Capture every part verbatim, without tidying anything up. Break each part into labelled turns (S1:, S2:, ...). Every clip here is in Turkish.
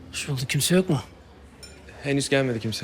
S1: Hoş bulduk. Kimse yok mu?
S2: Henüz gelmedi kimse.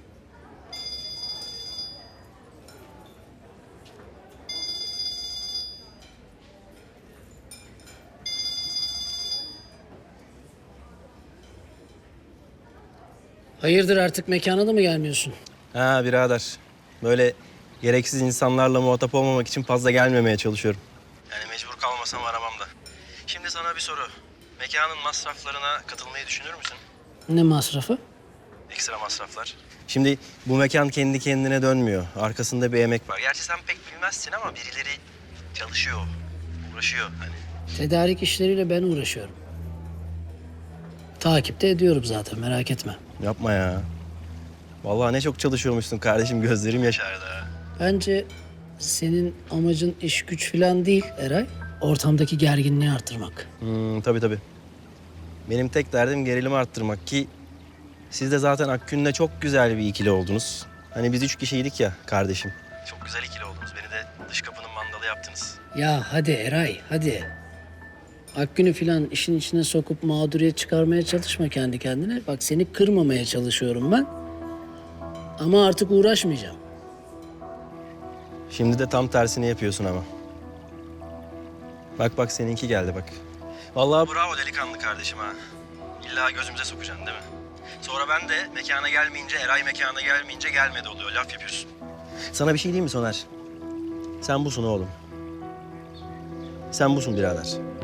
S1: Hayırdır, artık mekana da mı gelmiyorsun?
S3: Ha birader. Böyle gereksiz insanlarla muhatap olmamak için fazla gelmemeye çalışıyorum. Yani mecbur kalmasam aramam da. Şimdi sana bir soru. Mekanın masraflarına katılmayı düşünür müsün?
S1: Ne masrafı?
S3: Ekstra masraflar. Şimdi bu mekan kendi kendine dönmüyor. Arkasında bir emek var. Gerçi sen pek bilmezsin ama birileri çalışıyor, uğraşıyor hani.
S1: Tedarik işleriyle ben uğraşıyorum. Takipte ediyorum zaten, merak etme.
S3: Yapma ya. Vallahi ne çok çalışıyormuşsun kardeşim. Gözlerim yaşardı ha.
S1: Bence senin amacın iş güç falan değil Eray. Ortamdaki gerginliği arttırmak.
S3: Hmm, tabii tabii. Benim tek derdim gerilimi arttırmak ki siz de zaten Akgün'le çok güzel bir ikili oldunuz. Hani biz üç kişiydik ya kardeşim. Çok güzel ikili oldunuz. Beni de dış kapının mandalı yaptınız.
S1: Ya hadi Eray, hadi. Akgün'ü falan işin içine sokup mağduriyet çıkarmaya çalışma kendi kendine. Bak, seni kırmamaya çalışıyorum ben. Ama artık uğraşmayacağım.
S3: Şimdi de tam tersini yapıyorsun ama. Bak bak seninki geldi bak. Vallahi bravo delikanlı kardeşim ha. İlla gözümüze sokacaksın değil mi? Sonra ben de mekana gelmeyince, Eray mekana gelmeyince gelmedi oluyor. Laf yapıyorsun. Sana bir şey diyeyim mi Soner? Sen busun oğlum. Sen busun birader.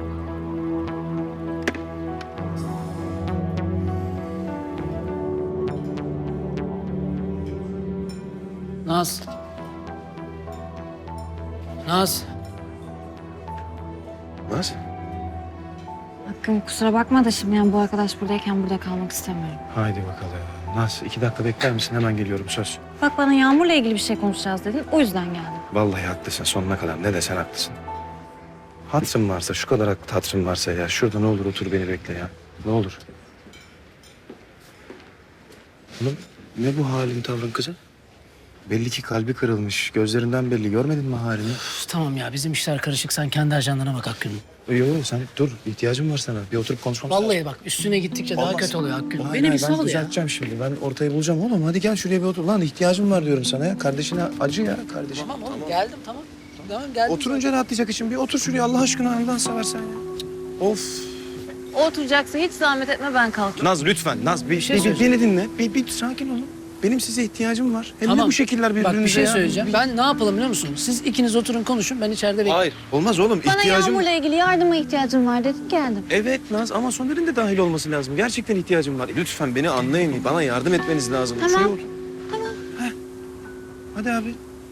S1: Naz. Naz.
S2: Naz?
S4: Hakkım kusura bakma da şimdi yani bu arkadaş buradayken burada kalmak istemiyorum.
S2: Haydi bakalım. Naz iki dakika bekler misin? Hemen geliyorum söz.
S4: Bak bana Yağmur'la ilgili bir şey konuşacağız dedin. O yüzden geldim.
S2: Vallahi haklısın sonuna kadar. Ne desen haklısın. Hatırın varsa, şu kadar hatırın varsa ya. Şurada ne olur otur beni bekle ya. Ne olur. Oğlum ne bu halin tavrın kızım? Belli ki kalbi kırılmış. Gözlerinden belli. Görmedin mi halini?
S1: Üf, tamam ya, bizim işler karışık. Sen kendi ajandana bak Akgün'ün.
S2: Yok yok sen dur. İhtiyacım var sana. Bir oturup konuşmamız lazım.
S1: Vallahi bak, üstüne gittikçe daha
S2: Olmaz.
S1: kötü oluyor Akgün.
S2: Hayır,
S1: Beni bir
S2: hayır,
S1: sal
S2: ben
S1: ya.
S2: düzelteceğim şimdi. Ben ortayı bulacağım oğlum. Hadi gel şuraya bir otur. Lan ihtiyacım var diyorum sana ya. Kardeşine acı ya kardeşim.
S1: Tamam oğlum, geldim tamam. Tamam, geldim.
S2: Oturunca rahatlayacak için bir otur şuraya Allah aşkına Allah'ını seversen ya. Of.
S4: O oturacaksa hiç zahmet etme, ben kalkayım.
S2: Naz lütfen Naz bir,
S1: şey
S2: bir-
S1: söyleyeceğim.
S2: beni dinle. Bir, bir sakin olun. Benim size ihtiyacım var. Hem de
S1: Tamam.
S2: bu şekiller birbirinize
S1: Bak, bir şey
S2: ya.
S1: söyleyeceğim.
S2: Bir-
S1: Ben ne yapalım biliyor musun? Siz ikiniz oturun konuşun, ben içeride bekleyeyim.
S2: Hayır. Olmaz oğlum.
S4: Bana
S2: ihtiyacım...
S4: Yağmur'la ilgili yardıma ihtiyacım var dedim, geldim.
S2: Evet Naz ama Soner'in de dahil olması lazım. Gerçekten ihtiyacım var. Lütfen beni anlayın. Bana yardım etmeniz lazım.
S4: Tamam.
S2: Şuraya otur.
S4: Tamam.
S2: Heh. Hadi abi.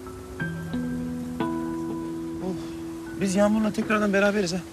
S2: Oh. Biz Yağmur'la tekrardan beraberiz ha.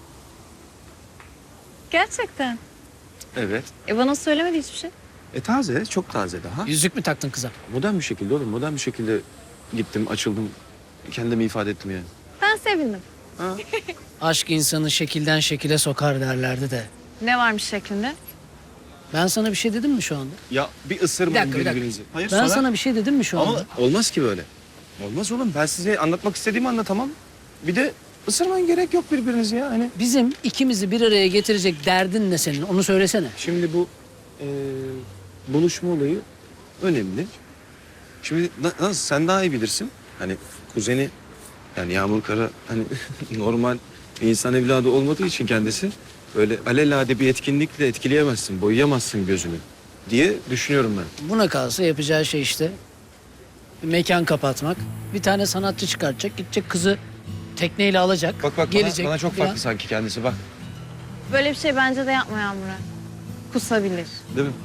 S4: Gerçekten.
S2: Evet.
S4: E bana söylemedi hiçbir şey.
S2: E taze, çok taze daha.
S1: Yüzük mü taktın kıza?
S2: Modern bir şekilde oğlum, modern bir şekilde gittim, açıldım. Kendimi ifade ettim yani.
S4: Ben sevindim.
S2: Ha?
S1: Aşk insanı şekilden şekile sokar derlerdi de.
S4: Ne varmış şeklinde?
S1: Ben sana bir şey dedim mi şu anda?
S2: Ya bir
S1: Bir
S2: ısırmayın
S1: dakika, bir dakika.
S2: birbirinizi. Hayır
S1: Ben
S2: sonra...
S1: sana bir şey dedim mi şu anda?
S2: Ama olmaz ki böyle. Olmaz oğlum. Ben size anlatmak istediğimi anlatamam. Bir de ısırmayın, gerek yok birbirinizi ya. Hani
S1: Bizim ikimizi bir araya getirecek derdin ne senin? Onu söylesene.
S2: şimdi bu e, buluşma olayı önemli. Şimdi na- nasıl sen daha iyi bilirsin. Hani kuzeni yani Yağmur Kara hani normal bir insan evladı olmadığı için kendisi böyle alelade bir etkinlikle etkileyemezsin, boyayamazsın gözünü diye düşünüyorum ben.
S1: Buna kalsa yapacağı şey işte bir mekan kapatmak. Bir tane sanatçı çıkartacak, gidecek kızı tekneyle alacak.
S2: Bak bak
S1: gelecek
S2: bana, bana çok
S1: falan.
S2: farklı sanki kendisi bak.
S4: Böyle bir şey bence de yapma Yağmur'a. Kusabilir.
S2: Değil mi?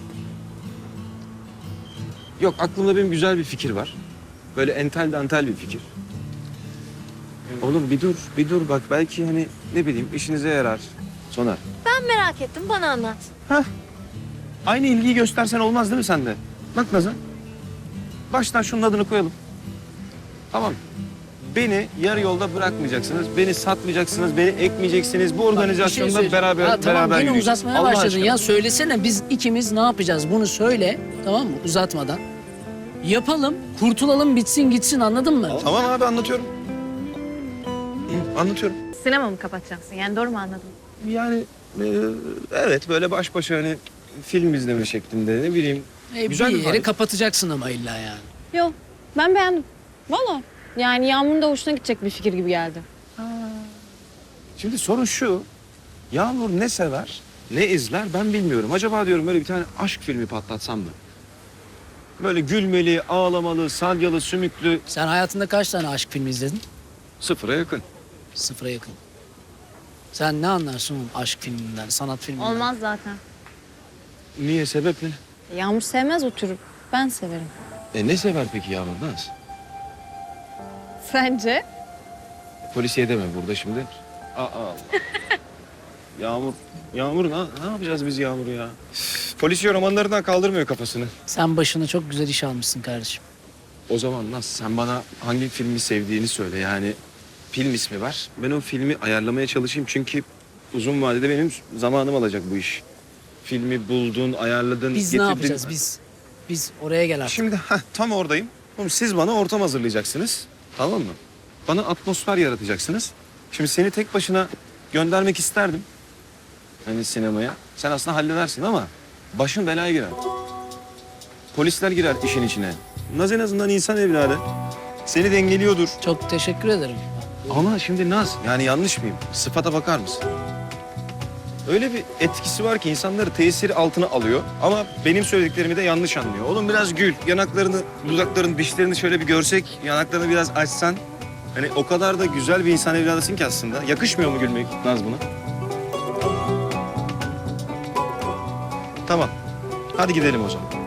S2: Yok aklımda benim güzel bir fikir var. Böyle entel dantel bir fikir. Oğlum bir dur, bir dur bak belki hani ne bileyim işinize yarar. Soner.
S4: Ben merak ettim, bana anlat.
S2: Aynı ilgiyi göstersen olmaz değil mi sende? Bak Nazan. Baştan şunun adını koyalım. Tamam. Beni yarı yolda bırakmayacaksınız. Beni satmayacaksınız, beni ekmeyeceksiniz. Bu
S1: Bak, bir şey
S2: organizasyonda
S1: söyleyeceğim.
S2: beraber
S1: Ya tamam,
S2: beraber
S1: yine
S2: yürüyeceğiz.
S1: uzatmaya
S2: Allah
S1: başladın
S2: aşkına.
S1: ya. Söylesene, biz ikimiz ne yapacağız? Bunu söyle, tamam mı? Uzatmadan. Yapalım, kurtulalım, bitsin gitsin, anladın mı?
S2: Tamam abi anlatıyorum. Hı, anlatıyorum.
S4: Sinema mı kapatacaksın? Yani doğru mu anladım?
S2: Yani e, evet böyle baş başa hani film izleme şeklinde ne bileyim.
S1: E,
S2: Güzel
S1: bir
S2: bir
S1: yeri
S2: vibe.
S1: kapatacaksın ama illa yani.
S4: Yok ben beğendim. Valla. Yani Yağmur'un da hoşuna gidecek bir fikir gibi geldi.
S2: Şimdi sorun şu. Yağmur ne sever, ne izler ben bilmiyorum. Acaba diyorum böyle bir tane aşk filmi patlatsam mı? Böyle gülmeli, ağlamalı, salyalı, sümüklü,
S1: Sen hayatında kaç tane aşk filmi izledin?
S2: sıfıra yakın.
S1: Sıfıra yakın. Sen ne anlarsın oğlum aşk filminden, sanat filminden?
S4: Olmaz zaten.
S2: Niye, sebep ne?
S4: Yağmur sevmez o türü. Ben severim.
S2: E ne sever peki Yağmur Naz?
S4: Sence?
S2: Polisiye deme burada şimdi. Aa, Allah. Yağmur, Yağmur ne, ne yapacağız biz Yağmur'u ya? Üf, polisiye romanlarından kaldırmıyor kafasını.
S1: Sen başına çok güzel iş almışsın kardeşim.
S2: O zaman Naz sen bana hangi filmi sevdiğini söyle yani film ismi ver. Ben o filmi ayarlamaya çalışayım çünkü uzun vadede benim zamanım alacak bu iş. Filmi buldun, ayarladın,
S1: Biz
S2: getirdin.
S1: ne yapacağız biz? Biz oraya gel artık.
S2: Şimdi heh, tam oradayım. Oğlum, siz bana ortam hazırlayacaksınız. Tamam mı? Bana atmosfer yaratacaksınız. Şimdi seni tek başına göndermek isterdim. Hani sinemaya. Sen aslında halledersin ama başın belaya girer. Polisler girer işin içine. Naz en azından insan evladı. Seni dengeliyordur.
S1: Çok teşekkür ederim.
S2: Ama şimdi Naz, yani yanlış mıyım? Sıfata bakar mısın? Öyle bir etkisi var ki insanları tesiri altına alıyor. Ama benim söylediklerimi de yanlış anlıyor. Oğlum biraz gül, yanaklarını, dudaklarını, dişlerini şöyle bir görsek, yanaklarını biraz açsan. Hani o kadar da güzel bir insan evladısın ki aslında. Yakışmıyor mu gülmek Naz buna? Tamam. Hadi gidelim o zaman.